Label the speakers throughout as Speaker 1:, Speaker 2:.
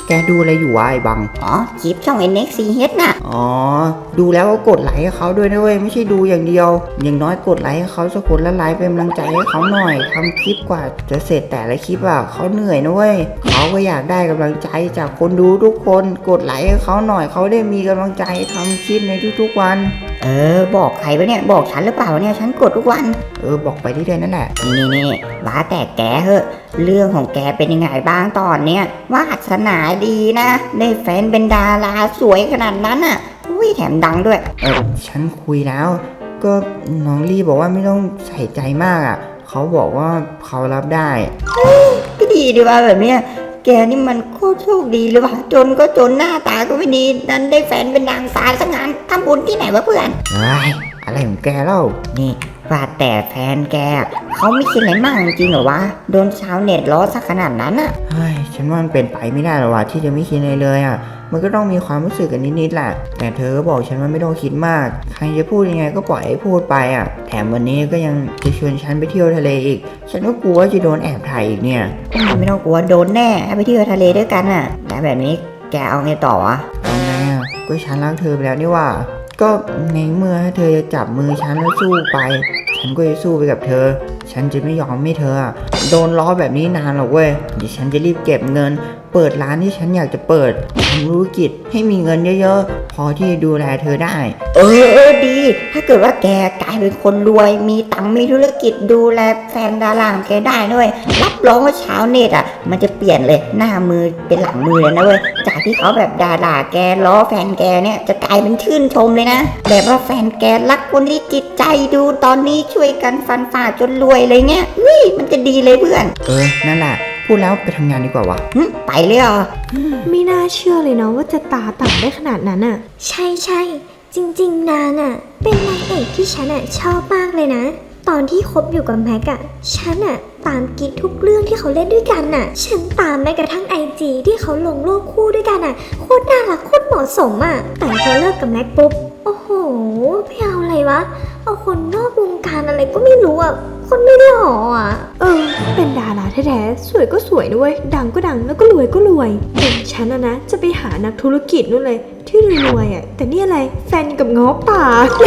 Speaker 1: แกดูอะไรอยู่วะไอ้บัง
Speaker 2: อ๋อคลิปช่อง NXCH น่ะ
Speaker 1: อ๋อดูแล้วก็กดไลค์ให้เขาด้วยนะเว้ยไม่ใช่ดูอย่างเดียวอย่างน้อยกดไลค์ให้เขาสักคนละไลค์เป็นกำลังใจให้เขาหน่อยทำคลิปกว่าจะเสร็จแต่ละคลิปอะเขาเหนื่อยนะเว้ยเขาก็อยากได้กำลังใจจากคนดูทุกคนกดไลค์ให้เขาหน่อยเขาได้มีกำลังใจทำคลิปในทุกๆวัน
Speaker 2: บอกใครปะเนี่ยบอกฉันหรือเปล่าเนี่ยฉันกดทุกวัน
Speaker 1: บอกไปที่เดือนนั่นแหละ
Speaker 2: นี่ว่าแต่แกเหอะเรื่องของแกเป็นยังไงบ้างตอนเนี้ยวาสนาดีนะได้แฟนเป็นดาราสวยขนาดนั้นอ่ะอุ้ยแถมดังด้วย
Speaker 1: ฉันคุยแล้วก็น้องลี่บอกว่าไม่ต้องใส่ใจมากอ่ะเขาบอกว่าเขารับได้
Speaker 2: ก็ดีดีว่าแบบเนี้ยแกนี่มันโคตรโชคดีเลยว่ะจนก็จนหน้าตาก็ไม่ดีนั้นได้แฟนเป็นนางฟ้าสักงานทำบุญที่ไหนวะเพื่อน
Speaker 1: อะไรของแกเล่า
Speaker 2: นี่ว่าแต่แฟนแกเขาไม่คิดอะไรมากจริงๆหรอวะโดนชาวเน็ตล้อสักขนาดนั้นอ่ะ
Speaker 1: ฉันว่ามันเป็นไปไม่ได้หรอกว่ะที่จะไม่คิดอะไรเลยอ่ะมันก็ต้องมีความรู้สึกกันนิดๆแหละแต่เธอก็บอกฉันว่าไม่ต้องคิดมากใครจะพูดยังไงก็ปล่อยให้พูดไปอ่ะแถมวันนี้ก็ยังจะชวนฉันไปเที่ยวทะเลอีกฉันก็กลัวว่าจะโดนแอบถ่ายอีกเนี่ย
Speaker 2: ไม่ต้องกลัวโดนแน่ให้ไปเที่ยวทะเลด้วยกันอ่ะแล้วแบบนี้แกเอาไงต่อวะ
Speaker 1: เอาไงอ่ะก็ฉันรักเธอไปแล้วนี่ว่าก็ในเมื่อเธอจะจับมือฉันแล้วสู้ไปฉันก็จะสู้ไปกับเธอฉันจะไม่ยอมให้เธอโดนล้อแบบนี้นานหรอกเว้ยเดี๋ยวฉันจะรีบเก็บเงินเปิดร้านที่ฉันอยากจะเปิดทำธุรกิจให้มีเงินเยอะๆพอที่จะดูแลเธอได้
Speaker 2: ดีถ้าเกิดว่าแกกลายเป็นคนรวยมีตังค์มีธุรกิจดูแลแฟนดาราของแกได้ด้วยรับรองว่าชาวเน็ตอ่ะมันจะเปลี่ยนเลยหน้ามือเป็นหลังมือเลยนะเว้ยจากที่เขาแบบด่าแกล้อแฟนแกเนี่ยจะกลายเป็นชื่นชมเลยนะแบบว่าแฟนแกรักคนที่จิตใจดูตอนนี้ช่วยกันฟันฝ่าจนรวยอะไรเงี้ยมันจะดีเลยเพื่อน
Speaker 1: นั่นแหละพูดแล้วไปทำงานดีกว่าวะ
Speaker 2: ไปเลยเหรอ
Speaker 3: ไม่น่าเชื่อเลยเนาะว่าจะตาต่ำได้ขนาดนั้นอ่ะ
Speaker 4: ใช่จริงๆนางอ่ะเป็นนางเอกที่ฉันอ่ะชอบมากเลยนะตอนที่คบอยู่กับแม็กอ่ะฉันอ่ะตามกิ๊กทุกเรื่องที่เขาเล่นด้วยกันอ่ะฉันตามแม้กระทั่ง IG ที่เขาลงรูปคู่ด้วยกันอ่ะโคตรน่ารักโคตรเหมาะสมอ่ะแต่พอเลิกกับแม็กปุ๊บโอ้โหไม่เอาอะไรวะเอาคนนอกวงการอะไรก็ไม่รู้อ่ะคนไม่หล่ออ่ะ
Speaker 3: เป็นดาราแท้ๆสวยก็สวยด้วยดังก็ดังแล้วก็รวยก็รวยฉันนะจะไปหานักธุรกิจนู่นเลยที่รวยอ่ะแต่นี่อะไรแฟนกับง้อป่า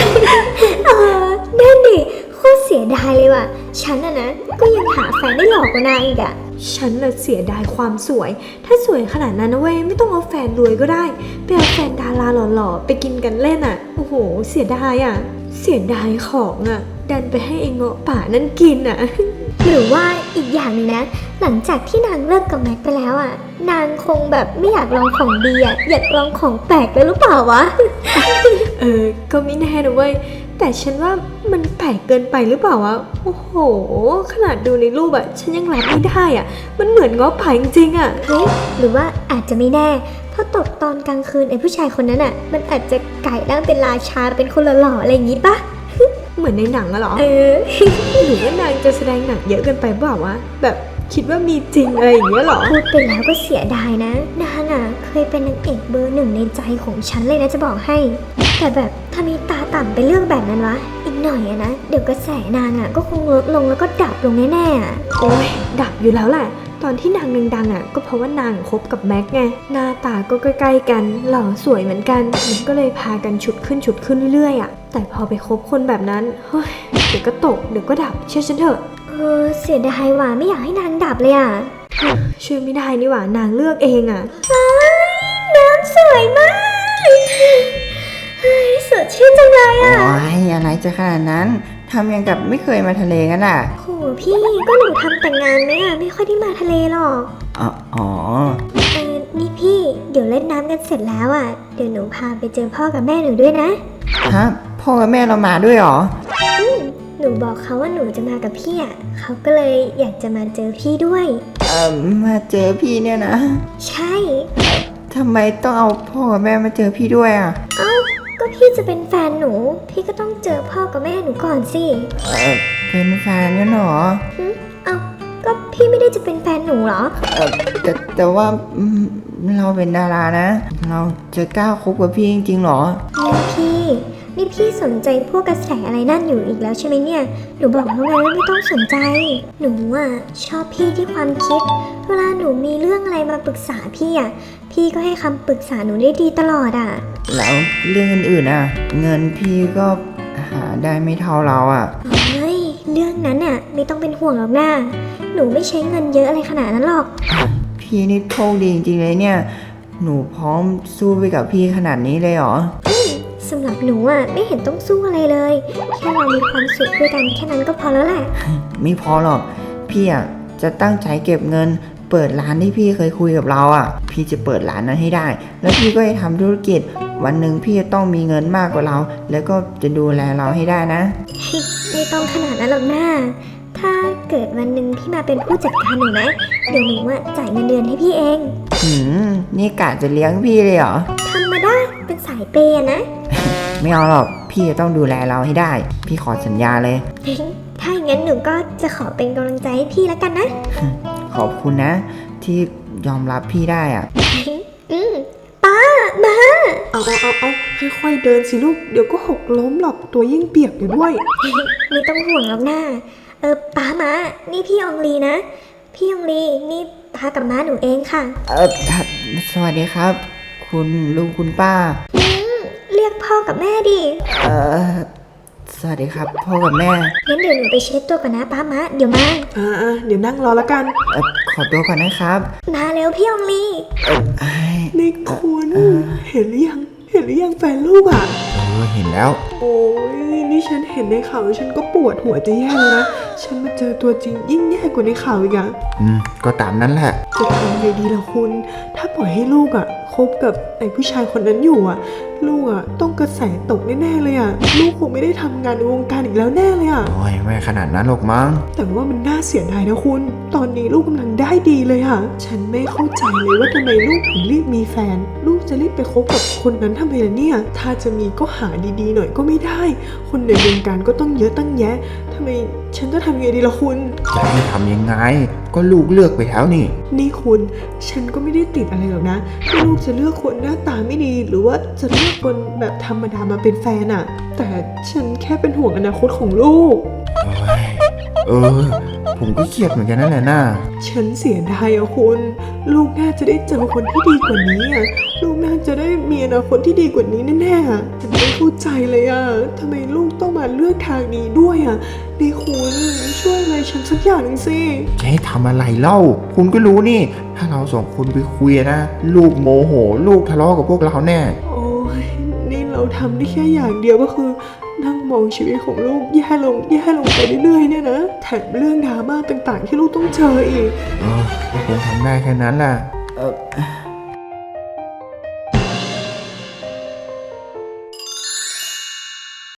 Speaker 4: นั่นดิโคตรเสียดายเลยว่ะฉันนะก็ยังหาแฟนได้หล่อกว่านางอีกอ่ะ
Speaker 3: ฉันเสียดายความสวยถ้าสวยขนาดนั้นนะเว้ยไม่ต้องเอาแฟนรวยก็ได้ไปเอาแฟนดาราหล่อๆไปกินกันเล่นอ่ะโอ้โหเสียดายอ่ะเสียดายของอ่ะดันไปให้ไอ้เงาะป่านั่นกินอ่ะ
Speaker 4: หรือว่าอีกอย่างนึงนะหลังจากที่นางเลิกกับแม็กไปแล้วอ่ะนางคงแบบไม่อยากลองของดีอ่ะอยากลองของแปลกเลยหรือเปล่าวะ
Speaker 3: ก็ไม่แน่นะเว้ยแต่ฉันว่ามันแปลกเกินไปหรือเปล่าวะโอ้โหขนาดดูในรูปอ่ะฉันยังรับไม่ได้อ่ะมันเหมือนง้อป่าจริงๆอ่ะ
Speaker 4: เฮ้ยหรือว่าอาจจะไม่แน่เพราะตกตอนกลางคืนไอ้ผู้ชายคนนั้นอ่ะมันอาจจะไก่ร่างเป็นราชาเป็นคนหล่อๆอะไรอย่างงี้ปะ
Speaker 3: เหมือนในหนังอะหรอหรือว่านางจะแสดงหนังเยอะเกินไปเปล่าวะแบบคิดว่ามีจริงอะไรอย่างเงี้ยหรอ
Speaker 4: พูดไปแล้วก็เสียดายนะนางอ่ะเคยเป็นนางเอกเบอร์หนึ่งในใจของฉันเลยนะจะบอกให้แต่แบบถ้ามีตาต่ำไปเรื่องแบบนั้นวะอีกหน่อยอะนะเดี๋ยวกระแสนางอ่ะก็คงลดลงแล้วก็ดับลงแน่ๆอ่ะ
Speaker 3: โอ้ยดับอยู่แล้วแหละตอนที่นางดังๆอ่ะก็เพราะว่านางคบกับแม็กไงหน้าตาก็ใกล้ๆกันหล่อสวยเหมือนกันมันก็เลยพากันฉุดขึ้นเรื่อยๆอ่ะแต่พอไปคบคนแบบนั้นเฮ้ยเดี๋ยวก็ตกเดี๋ยวก็ดับเชื่อฉันเถอะ
Speaker 4: เสียดายว่ะไม่อยากให้นางดับเลยอ่ะ
Speaker 3: ช่วยไม่ได้นี่หว่านางเลือกเองอ่ะ
Speaker 4: น้ำสวยมากสดชื่นจังเลยอ่ะ
Speaker 1: โอ้ยอะไรจะขนาดนั้นทำอย่างกับไม่เคยมาทะเลกันอ่ะ
Speaker 4: โหพี่ก็หนูทำแต่งงานไหมอ่ะไม่ค่อยได้มาทะเลหรอก
Speaker 1: อ๋อ
Speaker 4: นี่พี่เดี๋ยวเล่นน้ำกันเสร็จแล้วอ่ะเดี๋ยวหนูพาไปเจอพ่อกับแม่หนูด้วยนะ
Speaker 1: ฮะพ่อกับแม่เรามาด้วยหรอ
Speaker 4: หนูบอกเขาว่าหนูจะมากับพี่อ่ะเขาก็เลยอยากจะมาเจอพี่ด้วย
Speaker 1: มาเจอพี่เนี่ยนะ
Speaker 4: ใช่
Speaker 1: ทำไมต้องเอาพ่อกับแม่มาเจอพี่ด้วยอ่ะ
Speaker 4: ก็พี่จะเป็นแฟนหนูพี่ก็ต้องเจอพ่อกับแม่หนูก่อนสิ
Speaker 1: เป็นแฟนกันเหรอ
Speaker 4: ก็พี่ไม่ได้จะเป็นแฟนหนูเหรอ
Speaker 1: แต่ว่าเราเป็นดารานะเราจะกล้าคบกับพี่จริงๆหรอ
Speaker 4: พี่นี่นี่พี่สนใจพวกกระแสอะไรนั่นอยู่อีกแล้วใช่ไหมเนี่ย หนูบอกแล้วไงว่าไม่ต้องสนใจ หนูอ่ะชอบพี่ที่ความคิด เวลาหนูมีเรื่องอะไรมาปรึกษาพี่อ่ะ พี่ก็ให้คำปรึกษาหนูได้ดีตลอดอ่ะ
Speaker 1: แล้วเรื่องอื่นๆอ่ะ เงินพี่ก็หาได้ไม่เท่าเราอ่ะ
Speaker 4: เฮ้ย เรื่องนั้นน่ะไม่ต้องเป็นห่วงหรอกนะหนูไม่ใช้เงินเยอะอะไรขนาดนั้นหรอก
Speaker 1: พี่นี่โชคดีจริงๆเลยเนี่ย หนูพร้อมสู้ไปกับพี่ขนาดนี้เลยเหรอ
Speaker 4: สำหรับหนูอ่ะไม่เห็นต้องสู้อะไรเลย แค่เรามีความสุขด้วยกันแค่นั้นก็พอแล้วแหละ
Speaker 1: ไม่พอหรอก พี่อ่ะจะตั้งใจเก็บเงิน เปิดร้านที่พี่เคยคุยกับเราอ่ะ พี่จะเปิดร้านนั้นให้ได้ แล้วพี่ก็จะทำธุรกิจ วันหนึ่งพี่จะต้องมีเงินมากกว่าเรา แล้วก็จะดูแลเราให้ได้นะ
Speaker 4: ไม่ต้องขนาดนั้นหรอกนะถ้าเกิดวันหนึ่งพี่มาเป็นผู้จัดการหนูนะเดี๋ยวหนูอ่ะจ่ายเงินเดือนให้พี่เอง
Speaker 1: นี่กะจะเลี้ยงพี่เลยเหรอ
Speaker 4: ธรรมดาเป็นสายเปย์อะนะ
Speaker 1: ไม่เอาหรอก พี่จะต้องดูแลเราให้ได้ พี่ขอสัญญาเลย
Speaker 4: ถ้าอย่างนั้นหนูก็จะขอเป็นกำลังใจให้พี่แล้วกันนะ
Speaker 1: ขอบคุณนะ ที่ยอมรับพี่ได้อ่ะ
Speaker 4: ป้ามา
Speaker 5: เอาค่อยๆเดินสิลูก เดี๋ยวก็หกล้มหรอก ตัวยิ่งเปียกอยู่ด้วย
Speaker 4: ไม่ต้องห่วงหรอกนะป้ามานี่พี่อองลีนะ พี่อองลีนี่ป้ากับม้าหนูเองค่ะ
Speaker 1: สวัสดีครับ คุณลุงคุณป้า
Speaker 4: เรียกพ่อกับแม่ดิ
Speaker 1: สวัสดีครับ พ่อกับแม่
Speaker 4: งั้นเดี๋ยวหนูไปเช็ดตัวก่อนนะป้ามาเดี๋ยวมา
Speaker 5: เดี๋ยวนั่งรอแล้วกัน
Speaker 1: ขอตัวก่อนนะครับ
Speaker 4: มาเร็วพี่อองลี
Speaker 1: ไอ้
Speaker 5: นี่คุณเห็นหรือยัง เห็นหรือยังแฟนลูกอ่ะ
Speaker 1: เห็นแล้ว
Speaker 5: โอ้ยนี่ฉันเห็นในข่าวฉันก็ปวดหัวจะแย่เลยนะ ฉันมาเจอตัวจริงยิ่งแย่กว่าในข่าวอีกอะ
Speaker 1: ก็ตามนั้นแหละ
Speaker 5: จะทำไงดีล่ะคุณ ถ้าปล่อยให้ลูกอะคบกับไอ้ผู้ชายคนนั้นอยู่อะลูกอะต้องกระแสตกแน่ๆเลยอะลูกคงไม่ได้ทำงานในวงการอีกแล้วแน่เลยอะ
Speaker 1: โอ้ยไม่ขนาดนั้นหรอกมั้ง
Speaker 5: แต่ว่ามันน่าเสียดายนะคุณ ตอนนี้ลูกกำลังได้ดีเลยอะฉันไม่เข้าใจเลยว่าทำไมลูกถึงรีบมีแฟน ลูกจะรีบไปคบกับคนนั้นทำไมล่ะเนี่ย ถ้าจะมีก็หาดีๆหน่อยก็ไม่ได้ คนในวงการก็ต้องเยอะตั้งแยะทำไมฉันจะทำยังไงดีล่ะคุณ
Speaker 1: จะให้ทำยังไง ก็ลูกเลือกไปแล้วนี่
Speaker 5: นี่คุณ ฉันก็ไม่ได้ติดอะไรหรอกนะที่ลูกจะเลือกคนหน้าตาไม่ดี หรือว่าจะเลือกคนแบบธรรมดามาเป็นแฟนอะแต่ฉันแค่เป็นห่วงอนาคตของลูก
Speaker 1: ผมก็เครียดเหมือนกันนั่นแหละน่า
Speaker 5: ฉันเสียดายอะคุณ ลูกน่าจะได้เจอคนที่ดีกว่านี้อะลูกน่าจะได้มีอนาคตที่ดีกว่านี้แน่ๆอะฉันไม่เข้าใจเลยอะทำไมลูกต้องมาเลือกทางนี้ด้วยอะนี่คุณช่วยอะไรฉันสักอย่างหนึ่งสิ
Speaker 1: จะให้ทำอะไรเล่า คุณก็รู้นี่ ถ้าเราสองคนไปคุยนะ ลูกโมโห ลูกทะเลาะกับพวกเราแน่
Speaker 5: โอ้ยนี่เราทำได้แค่อย่างเดียวก็คือ นั่งมองชีวิตของลูกแย่ลงไปเรื่อยๆเนี่ยนะแถมเรื่องดราม่าต่างๆ ที่ลูกต้องเจออีก
Speaker 1: ก็คงทำได้แค่นั้นแหละ